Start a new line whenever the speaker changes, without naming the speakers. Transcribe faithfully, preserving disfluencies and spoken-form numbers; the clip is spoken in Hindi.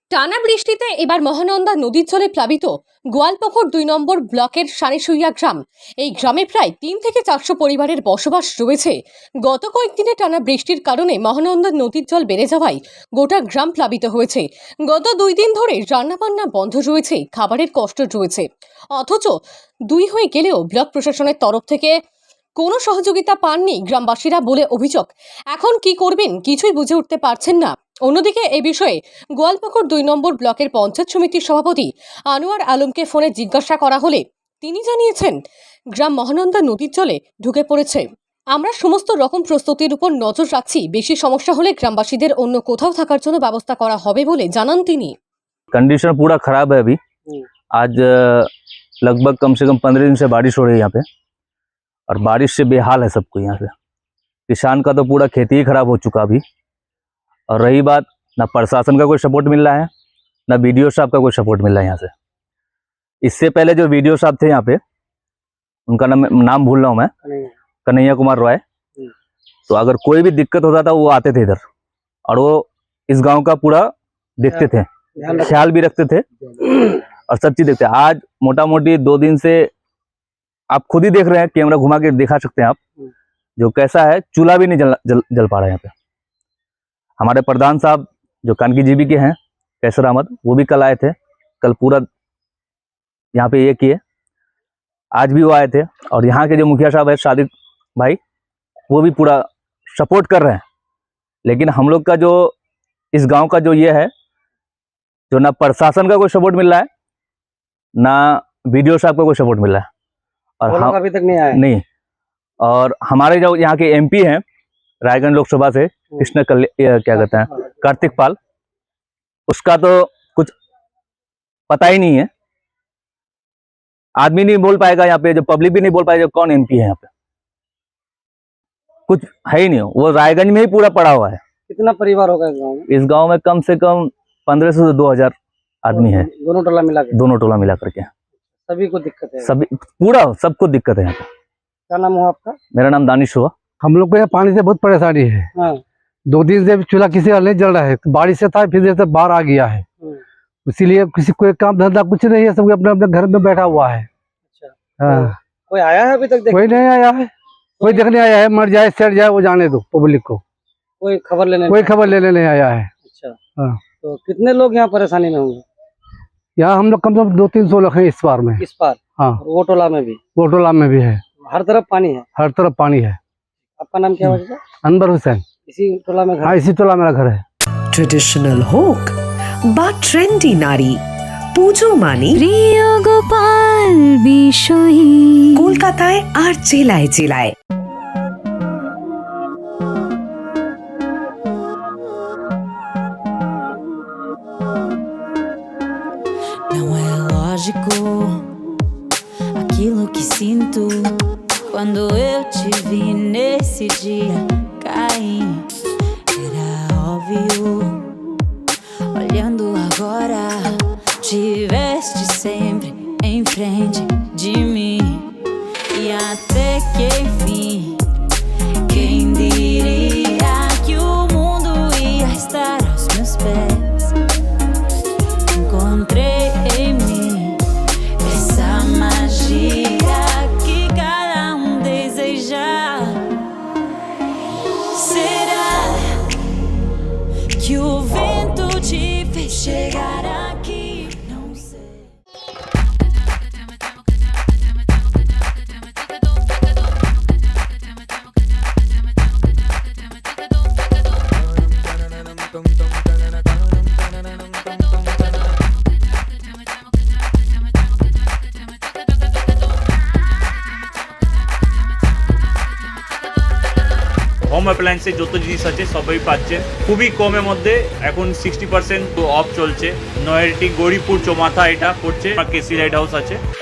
টানা বৃষ্টিতে এবার মহানন্দা নদীর জলে প্লাবিত গোয়ালপুকুর দুই নম্বর ব্লকের সানিসুইয়া গ্রাম। এই গ্রামে প্রায় তিন থেকে চারশো পরিবারের বসবাস রয়েছে। গত কয়েকদিনে টানা বৃষ্টির কারণে মহানন্দা নদীর জল বেড়ে যাওয়ায় গোটা গ্রাম প্লাবিত হয়েছে। গত দুই দিন ধরে রান্নাবান্না বন্ধ রয়েছে, খাবারের কষ্ট রয়েছে। অথচ দুই হয়ে গেলেও ব্লক প্রশাসনের তরফ থেকে কোনো সহযোগিতা পাননি গ্রামবাসীরা বলে অভিযোগ। এখন কি করবেন কিছুই বুঝে উঠতে পারছেন না। অন্যদিকে এ বিষয়ে গোয়ালপুকুর দুই নম্বর ব্লকের পঞ্চায়েত সমিতির সভাপতি আনোয়ার আলমকে ফোনে জিজ্ঞাসা করা হলে তিনি জানিয়েছেন, গ্রাম মহানন্দা নদীর জলে ঢুকে পড়েছে। আমরা সমস্ত রকম প্রস্তুতির উপর নজর রাখছি, বেশি সমস্যা হলে গ্রামবাসীদের অন্য কোথাও থাকার জন্য ব্যবস্থা করা হবে বলে জানান তিনি।
कंडीशन पूरा खराब है अभी। आज लगभग कम से कम पंद्रह दिन से बारिश हो रही है यहाँ पे, और बारिश से बेहाल है सबको यहाँ पे। किसान का तो पूरा खेती ही खराब हो चुका अभी। और रही बात, ना प्रशासन का कोई सपोर्ट मिल रहा है, ना बीडीओ साहब का कोई सपोर्ट मिल रहा है यहाँ से। इससे पहले जो बीडीओ साहब थे यहाँ पे, उनका नाम नाम भूल रहा हूँ मैं, कन्हैया कुमार रॉय। तो अगर कोई भी दिक्कत होता था वो आते थे इधर, और वो इस गाँव का पूरा देखते थे, ख्याल भी रखते थे और सब चीज देखते हैं। आज मोटा मोटी दो दिन से आप खुद ही देख रहे हैं, कैमरा घुमा के दिखा सकते हैं आप, जो कैसा है, चूल्हा भी नहीं जल जल, जल पा रहा है यहाँ पे। हमारे प्रधान साहब जो कानकी जीबी के हैं, कैसर अहमद, वो भी कल आए थे। कल पूरा यहाँ पे ये किए, आज भी वो आए थे। और यहाँ के जो मुखिया साहब है सादिक भाई, वो भी पूरा सपोर्ट कर रहे हैं। लेकिन हम लोग का जो इस गांव का जो ये है, जो ना प्रशासन का कोई सपोर्ट मिल रहा है, ना बीडीओ साहब का कोई सपोर्ट मिल रहा है, और हम
अभी तक नहीं आया
नहीं। और हमारे जो यहाँ के एमपी हैं रायगंज लोकसभा से, कृष्ण कल्या क्या कहते हैं, कार्तिक पाल, उसका तो कुछ पता ही नहीं है। आदमी नहीं बोल पाएगा यहाँ पे, जो पब्लिक भी नहीं बोल पाएगा कौन एमपी है यहाँ पे, कुछ है ही नहीं। वो रायगंज में ही पूरा पड़ा हुआ है।
कितना परिवार होगा इस गाँव में?
इस गांव में कम से कम पंद्रह सौ से दो हजार आदमी है,
दोनों टोला मिला के?
दोनों टोला मिला करके।
सभी को दिक्कत है?
सभी, पूरा सबको दिक्कत है यहाँ पे।
क्या नाम हुआ आपका?
मेरा नाम दानिश हुआ।
हम लोग को यहाँ पानी से बहुत परेशानी है।
हाँ।
दो दिन से चूल्हा किसी का नहीं जल रहा है, बारिश से था, फिर से बाढ़ आ गया है, इसीलिए किसी कोई काम धंधा कुछ नहीं है, सब अपने अपने घर में बैठा हुआ है।
अच्छा।
हाँ।
तो कोई आया है अभी तक देखने?
कोई नहीं आया है, कोई देखने आया है, मर जाए सड़ जाए वो जाने दो पब्लिक को,
कोई खबर लेने
कोई खबर लेने नहीं आया है।
अच्छा।
हाँ।
तो कितने लोग यहाँ परेशानी में होंगे?
यहाँ हम लोग कम से कम दो तीन सौ लोग हैं इस बार में।
इस बार?
हाँ।
वो टोला में भी?
वो टोला में भी है,
हर तरफ पानी है?
हर तरफ पानी है।
आपका नाम क्या है?
अनवर हुसैन।
इसी टोला में घर?
हाँ, इसी टोला मेरा घर है।
ट्रेडिशनल হোক বা ট্রেন্ডি নারী, পুজো মানে
প্রিয় গোপাল বিষয়ী
কলকাতায় আর জেলায় জেলায়।
Não é lógico aquilo que sinto quando eu te vi nesse dia cair. Era óbvio, olhando agora, tiveste sempre em frente de mim. E até que enfim, quem diria que o mundo ia estar aos meus pés? Encontrei em mim essa magia que cada um deseja. Será que o vento te fez chegar aqui? Não sei.
Home অ্যাপ্লায়েন্সে যত জিনিস আছে সবই পাচ্ছেন খুবই কমের মধ্যে। এখন সিক্সটি পার্সেন্ট অফ চলছে। নয়ারটি গৌরীপুর চৌমাথা এটা পড়ছে, কেসি লাইট হাউস আছে।